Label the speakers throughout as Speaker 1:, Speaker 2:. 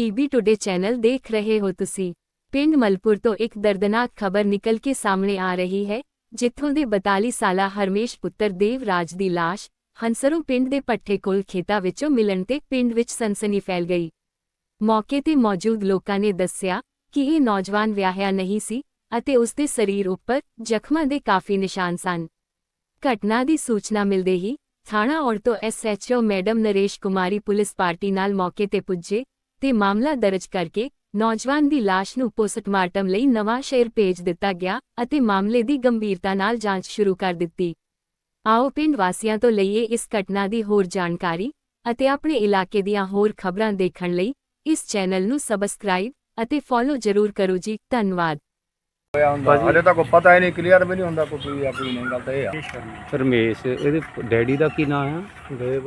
Speaker 1: PB today channel ਦੇਖ ਰਹੇ ਹੋ ਤੁਸੀਂ। ਪਿੰਡ ਮਲਪੁਰ ਤੋਂ ਇੱਕ ਦਰਦਨਾਕ ਖਬਰ ਨਿਕਲ ਕੇ ਸਾਹਮਣੇ ਆ ਰਹੀ ਹੈ, ਜਿੱਥੋਂ ਦੇ 42 ਸਾਲਾ ਹਰਮੇਸ਼ ਪੁੱਤਰ ਦੇਵਰਾਜ ਦੀ ਲਾਸ਼ ਹੰਸਰੋਂ ਪਿੰਡ ਦੇ ਪੱਠੇ ਕੋਲ ਖੇਤਾਂ ਵਿੱਚੋਂ ਮਿਲਣ ਤੇ ਪਿੰਡ ਵਿੱਚ ਸਨਸਨੀ ਫੈਲ ਗਈ। ਮੌਕੇ ਤੇ ਮੌਜੂਦ ਲੋਕਾਂ ਨੇ ਦੱਸਿਆ ਕਿ ਇਹ ਨੌਜਵਾਨ ਵਿਆਹਿਆ ਨਹੀਂ ਸੀ ਅਤੇ ਉਸ ਦੇ ਸਰੀਰ ਉੱਪਰ ਜ਼ਖਮਾਂ ਦੇ ਕਾਫੀ ਨਿਸ਼ਾਨ ਸਨ। ਘਟਨਾ ਦੀ ਸੂਚਨਾ ਮਿਲਦੇ ਹੀ ਥਾਣਾ ਔੜ ਤੋਂ SHO madam Naresh Kumari police party ਨਾਲ ਮੌਕੇ ਤੇ ਪੁੱਜੇ ਤੇ ਮਾਮਲਾ ਦਰਜ ਕਰਕੇ ਨੌਜਵਾਨ ਦੀ ਲਾਸ਼ ਨੂੰ ਪੋਸਟਮਾਰਟਮ ਲਈ ਨਵਾਂ ਸ਼ਹਿਰ ਭੇਜ ਦਿੱਤਾ ਗਿਆ ਅਤੇ ਮਾਮਲੇ ਦੀ ਗੰਭੀਰਤਾ ਨਾਲ ਜਾਂਚ ਸ਼ੁਰੂ ਕਰ ਦਿੱਤੀ। ਆਓ ਪਿੰਡ ਵਾਸੀਆਂ ਤੋਂ ਲਈਏ ਇਸ ਘਟਨਾ ਦੀ ਹੋਰ ਜਾਣਕਾਰੀ ਅਤੇ ਆਪਣੇ ਇਲਾਕੇ ਦੀਆਂ ਹੋਰ ਖਬਰਾਂ ਦੇਖਣ ਲਈ ਇਸ ਚੈਨਲ ਨੂੰ ਸਬਸਕ੍ਰਾਈਬ ਅਤੇ ਫੋਲੋ ਜ਼ਰੂਰ ਕਰੋ ਜੀ। ਧੰਨਵਾਦ।
Speaker 2: ਹਲੇ ਤਾਂ ਕੋਈ ਪਤਾ ਹੀ ਨਹੀਂ, ਕਲੀਅਰ ਵੀ ਨਹੀਂ ਹੁੰਦਾ ਕੋਈ ਆਪਣੀ ਨਹੀਂ ਗੱਲ ਤਾਂ ਇਹ ਆ।
Speaker 3: ਰਮੇਸ਼, ਇਹਦੇ ਡੈਡੀ ਦਾ ਕੀ ਨਾਮ ਆ?
Speaker 2: ਦੇਵ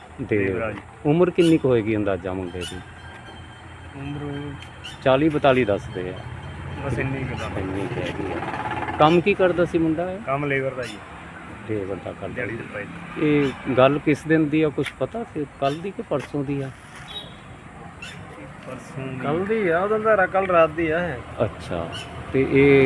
Speaker 3: ਉਮਰ ਕਿੰਨੀ ਕੁ ਹੋਏਗੀ ਅੰਦਾਜ਼ਾ ਮੁੰਡੇ ਦੀ?
Speaker 2: ਉਮਰ
Speaker 3: 40-42 ਦੱਸਦੇ ਆ।
Speaker 2: ਬਸ ਇੰਨੀ ਕੁ ਦਾ
Speaker 3: ਇੰਨੀ ਕੁ ਹੈਗੀ ਆ। ਕੰਮ ਕੀ ਕਰਦਾ ਸੀ ਮੁੰਡਾ?
Speaker 2: ਕੰਮ ਲੇਬਰ ਦਾ ਜੀ,
Speaker 3: ਲੇਬਰ ਦਾ ਕਰਦਾ।
Speaker 2: ਦਿਹਾੜੀ ਦੇ ਪੈਸੇ।
Speaker 3: ਇਹ ਗੱਲ ਕਿਸ ਦਿਨ ਦੀ ਆ, ਕੁਝ ਪਤਾ ਸੀ? ਕੱਲ ਦੀ ਕਿ ਪਰਸੋਂ ਦੀ ਆ?
Speaker 2: ਪਰਸੋਂ ਕੱਲ ਦੀ ਆ, ਉਹਦਾ ਤਾਂ ਕੱਲ ਰਾਤ ਦੀ ਆ।
Speaker 3: ਅੱਛਾ, ਤੇ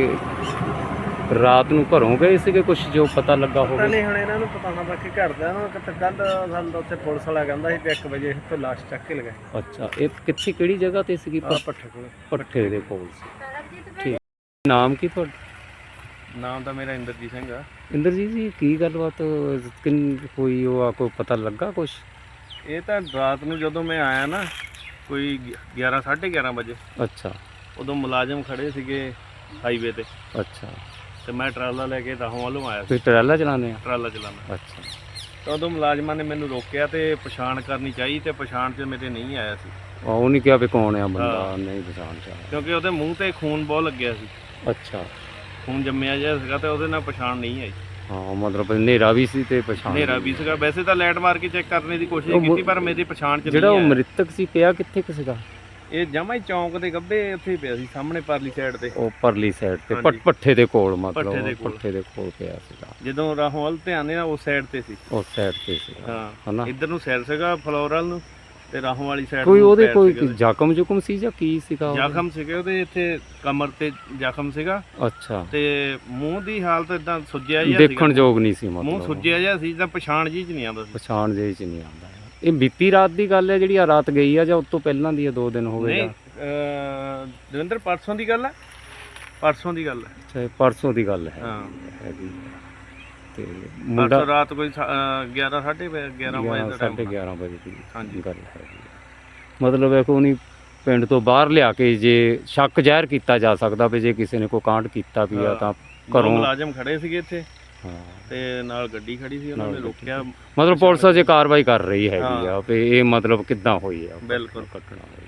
Speaker 3: ਇਹ ਰਾਤ ਨੂੰ ਘਰੋਂ ਗਏ ਸੀਗੇ? ਕੁਝ ਜੋ ਪਤਾ ਲੱਗਾ ਹੋਵੇ?
Speaker 2: ਨਹੀਂ, ਹੁਣ ਇਹਨਾਂ ਨੂੰ ਪਤਾ ਨਾ, ਬਾਕੀ ਘਰ ਦਾ ਨਾ ਕਿਤੇ ਕੱਲ ਸਾਨੂੰ ਉੱਥੇ ਪੁਲਿਸ ਵਾਲਾ ਕਹਿੰਦਾ ਸੀ ਕਿ 1 ਵਜੇ ਇੱਥੇ ਲਾਸ਼ ਚੱਕ ਕੇ ਲਗਾਏ।
Speaker 3: ਅੱਛਾ, ਇਹ ਕਿੱਥੇ, ਕਿਹੜੀ ਜਗ੍ਹਾ ਤੇ ਸੀਗੀ?
Speaker 2: ਪੱਠੇ ਕੋਲ।
Speaker 3: ਪੱਠੇ ਦੇ ਕੋਲ ਸੀ। ਠੀਕ। ਨਾਮ ਕੀ ਤੁਹਾਡਾ?
Speaker 2: ਨਾਮ ਤਾਂ ਮੇਰਾ ਇੰਦਰਜੀਤ ਸਿੰਘ ਆ।
Speaker 3: ਇੰਦਰਜੀਤ ਜੀ, ਕੀ ਗੱਲਬਾਤ ਹੋਈ? ਉਹ ਕੋਈ ਪਤਾ ਲੱਗਾ ਕੁਛ?
Speaker 2: ਇਹ ਤਾਂ ਰਾਤ ਨੂੰ ਜਦੋਂ ਮੈਂ ਆਇਆ ਨਾ, ਕੋਈ 11-11:30 ਵਜੇ,
Speaker 3: ਅੱਛਾ,
Speaker 2: ਉਦੋਂ ਮੁਲਾਜ਼ਮ ਖੜੇ ਸੀਗੇ ਹਾਈਵੇ ਤੇ।
Speaker 3: ਅੱਛਾ,
Speaker 2: ਤੇ ਮੈਂ ਟਰਾਲਾ ਲੈ ਕੇ ਰਾਹੋਂ ਵੱਲੋਂ ਆਇਆ ਸੀ।
Speaker 3: ਤੁਸੀਂ ਟਰਾਲਾ ਚਲਾਉਂਦੇ ਆ?
Speaker 2: ਟਰਾਲਾ ਚਲਾਉਣਾ।
Speaker 3: ਅੱਛਾ,
Speaker 2: ਤਾਂ ਉਦੋਂ ਮੁਲਾਜ਼ਮਾਂ ਨੇ ਮੈਨੂੰ ਰੋਕਿਆ ਤੇ ਪਛਾਣ ਕਰਨੀ ਚਾਹੀ, ਤੇ ਪਛਾਣ 'ਚ ਮੇਰੇ ਨਹੀਂ ਆਇਆ ਸੀ।
Speaker 3: ਉਹ ਨਹੀਂ ਕਿਹਾ ਵੀ ਕੌਣ ਆ ਬੰਦਾ?
Speaker 2: ਹਾਂ।
Speaker 3: ਨਹੀਂ ਪਛਾਣ ਚ ਆਇਆ।
Speaker 2: ਕਿਉਂਕਿ ਉਹਦੇ ਮੂੰਹ ਤੇ ਖੂਨ ਬਹੁਤ ਲੱਗਿਆ ਸੀ,
Speaker 3: ਅੱਛਾ,
Speaker 2: ਖੂਨ ਜੰਮਿਆ ਜਿਹਾ ਸੀਗਾ, ਤੇ ਉਹਦੇ ਨਾਲ ਪਛਾਣ ਨਹੀਂ ਆਈ।
Speaker 3: ਹਾਂ, ਮਤਲਬ ਹਨੇਰਾ ਵੀ ਸੀ ਤੇ ਪਛਾਣ
Speaker 2: ਹਨੇਰਾ ਵੀ ਸੀਗਾ। ਵੈਸੇ ਤਾਂ ਲਾਈਟ ਮਾਰ ਕੇ ਚੈੱਕ ਕਰਨ ਦੀ ਕੋਸ਼ਿਸ਼ ਕੀਤੀ, ਪਰ ਮੇਰੀ ਪਛਾਣ 'ਚ
Speaker 3: ਜਿਹੜਾ
Speaker 2: ਨਹੀਂ
Speaker 3: ਉਹ
Speaker 2: ਆਇਆ।
Speaker 3: ਮ੍ਰਿਤਕ ਸੀ ਪਿਆ ਕਿੱਥੇ ਕੁ ਸੀਗਾ?
Speaker 2: ਇਹ ਜਮਾਂ ਹੀ ਚੌਂਕ ਦੇ ਗੱਭੇ ਉੱਥੇ ਹੀ ਪਿਆ ਸੀ, ਸਾਹਮਣੇ ਪਰਲੀ ਸਾਈਡ ਤੇ।
Speaker 3: ਉਹ ਪਰਲੀ ਸਾਈਡ ਤੇ
Speaker 2: ਹਾਂਜੀ।
Speaker 3: ਪੱਠੇ ਦੇ ਕੋਲ, ਮਤਲਬ
Speaker 2: ਪੱਠੇ ਦੇ ਕੋਲ
Speaker 3: ਪਿਆ ਸੀਗਾ।
Speaker 2: ਜਦੋਂ ਰਾਹੋਂ ਵੱਲ ਧਿਆਨ ਦੇਣਾ, ਉਸ ਸਾਈਡ ਤੇ ਸੀ।
Speaker 3: ਉਸ ਸਾਈਡ ਤੇ ਸੀਗਾ,
Speaker 2: ਹਾਂ,
Speaker 3: ਹਨਾ?
Speaker 2: ਇੱਧਰ ਨੂੰ ਸਾਈਡ ਸੀਗਾ ਫਲੋਰਲ ਨੂੰ, ਤੇ ਰਾਹੋਂ ਵਾਲੀ ਸਾਈਡ
Speaker 3: ਕੋਈ ਉਹਦੇ ਕੋਈ ਜ਼ਖਮ ਜੁਖਮ ਸੀ ਜਾਂ ਕੀ ਸੀਗਾ?
Speaker 2: ਜ਼ਖਮ ਸੀਗੇ ਉਹਦੇ, ਇੱਥੇ ਕਮਰ ਤੇ ਜ਼ਖਮ ਸੀਗਾ।
Speaker 3: ਅੱਛਾ,
Speaker 2: ਤੇ ਮੂੰਹ ਦੀ ਹਾਲਤ ਇਦਾਂ ਸੁੱਜਿਆ ਜਿਹਾ ਸੀਗਾ,
Speaker 3: ਦੇਖਣ ਯੋਗ ਨਹੀਂ ਸੀ,
Speaker 2: ਮੂੰਹ
Speaker 3: ਮਤਲਬ
Speaker 2: ਸੁੱਜਿਆ ਜਿਹਾ ਸੀ, ਤਾਂ ਪਛਾਣ ਜੀ 'ਚ ਨਹੀਂ ਆਉਂਦਾ ਸੀ।
Speaker 3: ਪਛਾਣ ਜਿਹੀ ਚ ਨਹੀਂ ਆਉਂਦਾ। ਇਹ ਬੀਤੀ ਰਾਤ ਦੀ ਗੱਲ ਹੈ ਜਿਹੜੀ ਆ ਰਾਤ ਗਈ ਆ, ਜਾਂ ਉਸ ਤੋਂ ਪਹਿਲਾਂ ਦੀ ਆ? 2 ਦਿਨ ਹੋ ਗਏ?
Speaker 2: ਨਹੀਂ, ਦਵਿੰਦਰ ਪਰਸੋਂ ਦੀ ਗੱਲ ਹੈ, ਪਰਸੋਂ ਦੀ ਗੱਲ ਹੈ।
Speaker 3: ਅੱਛਾ, ਪਰਸੋਂ ਦੀ ਗੱਲ ਹੈ।
Speaker 2: ਹਾਂ,
Speaker 3: ਹੈਗੀ। ਤੇ
Speaker 2: ਮੁੰਡਾ
Speaker 3: ਮੁੰਡਾ
Speaker 2: ਰਾਤ ਕੋਈ 11-11:30 ਵਜੇ ਦਾ ਟਾਈਮ।
Speaker 3: 11:30 ਵਜੇ ਦੀ
Speaker 2: ਹਾਂਜੀ।
Speaker 3: ਗੱਲ ਹੈਗੀ। ਮਤਲਬ ਹੈ ਕੋਈ ਨਹੀਂ, ਪਿੰਡ ਤੋਂ ਬਾਹਰ ਲਿਆ ਕੇ ਜੇ ਸ਼ੱਕ ਜ਼ਾਹਿਰ ਕੀਤਾ ਜਾ ਸਕਦਾ ਵੀ ਜੇ ਕਿਸੇ ਨੇ ਕੋਈ ਕਾਂਡ ਕੀਤਾ ਵੀ ਆ ਤਾਂ ਘਰੋਂ।
Speaker 2: ਮੁਲਾਜ਼ਮ ਖੜੇ ਸੀਗੇ ਇੱਥੇ,
Speaker 3: ਹਾਂ,
Speaker 2: ਤੇ ਨਾਲ ਗੱਡੀ ਖੜੀ ਸੀ, ਉਹਨਾਂ ਨੇ ਰੋਕਿਆ।
Speaker 3: ਮਤਲਬ ਪੁਲਿਸ ਅਜੇ ਕਾਰਵਾਈ ਕਰ ਰਹੀ ਹੈਗੀ ਆ ਵੀ ਇਹ ਮਤਲਬ ਕਿੱਦਾਂ ਹੋਈ ਆ
Speaker 2: ਬਿਲਕੁਲ
Speaker 3: ਘਟਨਾ।